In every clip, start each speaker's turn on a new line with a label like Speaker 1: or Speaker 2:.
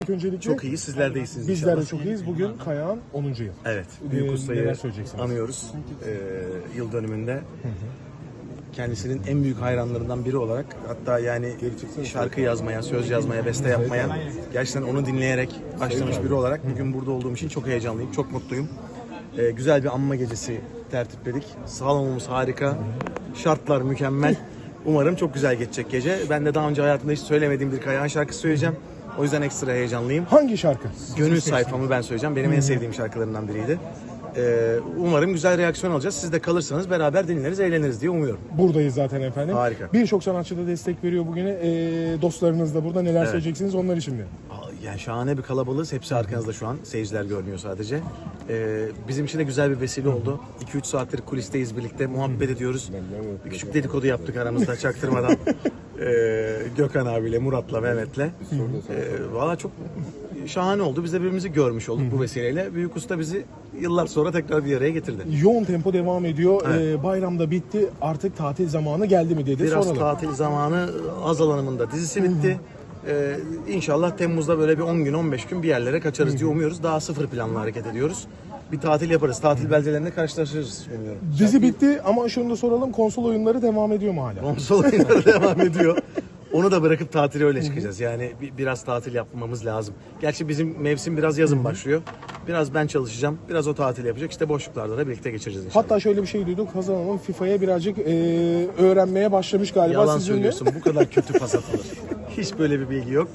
Speaker 1: Öncelikle
Speaker 2: Çok iyi, sizler de iyisiniz
Speaker 1: bizler de
Speaker 2: inşallah.
Speaker 1: çok iyiyiz. Bugün Kayağın 10. yıl.
Speaker 2: Evet, Büyük Usta'yı
Speaker 1: neler söyleyeceksiniz?
Speaker 2: anıyoruz yıl dönümünde. Kendisinin en büyük hayranlarından biri olarak, hatta yani şarkı yazmaya, söz yazmaya, beste yapmaya gerçekten onu dinleyerek başlamış biri olarak bugün burada olduğum için çok heyecanlıyım, çok mutluyum. Güzel bir anma gecesi tertipledik. Salonumuz harika, şartlar mükemmel. Umarım çok güzel geçecek gece. Ben de daha önce hayatımda hiç söylemediğim bir Kayağın şarkısı söyleyeceğim. O yüzden ekstra heyecanlıyım.
Speaker 1: Hangi şarkı?
Speaker 2: Gönül sayfamı ben söyleyeceğim. Benim en sevdiğim şarkılarından biriydi. Umarım güzel reaksiyon alacağız. Siz de kalırsanız beraber dinleriz, eğleniriz diye umuyorum.
Speaker 1: Buradayız zaten efendim.
Speaker 2: Harika.
Speaker 1: Birçok sanatçı da destek veriyor bugüne. Dostlarınız da burada. Neler söyleyeceksiniz onlar için mi?
Speaker 2: Yani şahane bir kalabalığız. Hepsi arkanızda şu an. Seyirciler görmüyor sadece. Bizim için de güzel bir vesile oldu. 2-3 saattir kulisteyiz birlikte. Muhabbet ediyoruz. Bir küçük dedikodu yaptık aramızda çaktırmadan. Gökhan abiyle, Murat'la, Mehmet'le. Valla çok şahane oldu. Biz de birbirimizi görmüş olduk bu vesileyle. Büyük Usta bizi yıllar sonra tekrar bir araya getirdi.
Speaker 1: Yoğun tempo devam ediyor. Bayramda bitti. Artık tatil zamanı geldi mi dedi.
Speaker 2: Biraz
Speaker 1: Soralım.
Speaker 2: tatil zamanı. Azal Hanım'ın da dizisi bitti. İnşallah Temmuz'da böyle bir 10 gün 15 gün bir yerlere kaçarız diye umuyoruz. Daha sıfır planla hareket ediyoruz. Bir tatil yaparız. Tatil beldelerinde karşılaşırız umuyorum.
Speaker 1: Dizi bitti ama şunu da soralım. Konsol oyunları devam ediyor mu hala?
Speaker 2: Konsol oyunları devam ediyor. Onu da bırakıp tatile öyle çıkacağız. Yani biraz tatil yapmamız lazım. Gerçi bizim mevsim biraz yazın başlıyor. Biraz ben çalışacağım. Biraz o tatil yapacak. İşte boşluklarda da birlikte geçireceğiz inşallah.
Speaker 1: Hatta şöyle bir şey duyduk. Hazal Hanım FIFA'ya birazcık öğrenmeye başlamış galiba.
Speaker 2: Yalan
Speaker 1: sizinle.
Speaker 2: söylüyorsun. Bu kadar kötü pas atılır. Hiç böyle bir bilgi yok.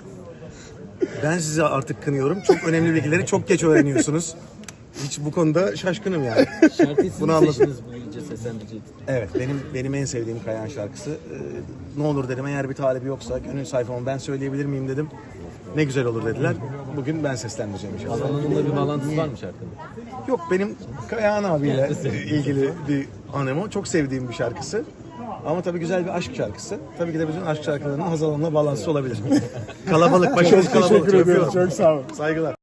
Speaker 2: Ben sizi artık kınıyorum. Çok önemli bilgileri çok geç öğreniyorsunuz. Hiç bu konuda şaşkınım yani.
Speaker 3: Şarkıyı siz
Speaker 2: Bunu
Speaker 3: mi
Speaker 2: anladım.
Speaker 3: seçtiniz bu gece seslendirecek?
Speaker 2: Evet, benim en sevdiğim Kayağın şarkısı. Ne olur dedim, eğer bir talebi yoksa gönül sayfamı ben söyleyebilir miyim dedim. Ne güzel olur dediler. Bugün ben seslendireceğim inşallah.
Speaker 3: Alanında bir bağlantısı var mı şarkının?
Speaker 2: Yok, benim Kayağın abiyle ilgili bir anım o. Çok sevdiğim bir şarkısı. Ama tabii güzel bir aşk şarkısı. Tabii ki de bütün aşk şarkılarının Hazal Hanım'la bağlantısı olabilir. Kalabalık, başımız
Speaker 1: Çok
Speaker 2: kalabalık.
Speaker 1: teşekkür ediyorum.
Speaker 2: Öpüyorum.
Speaker 1: Çok sağ olun.
Speaker 2: Saygılar.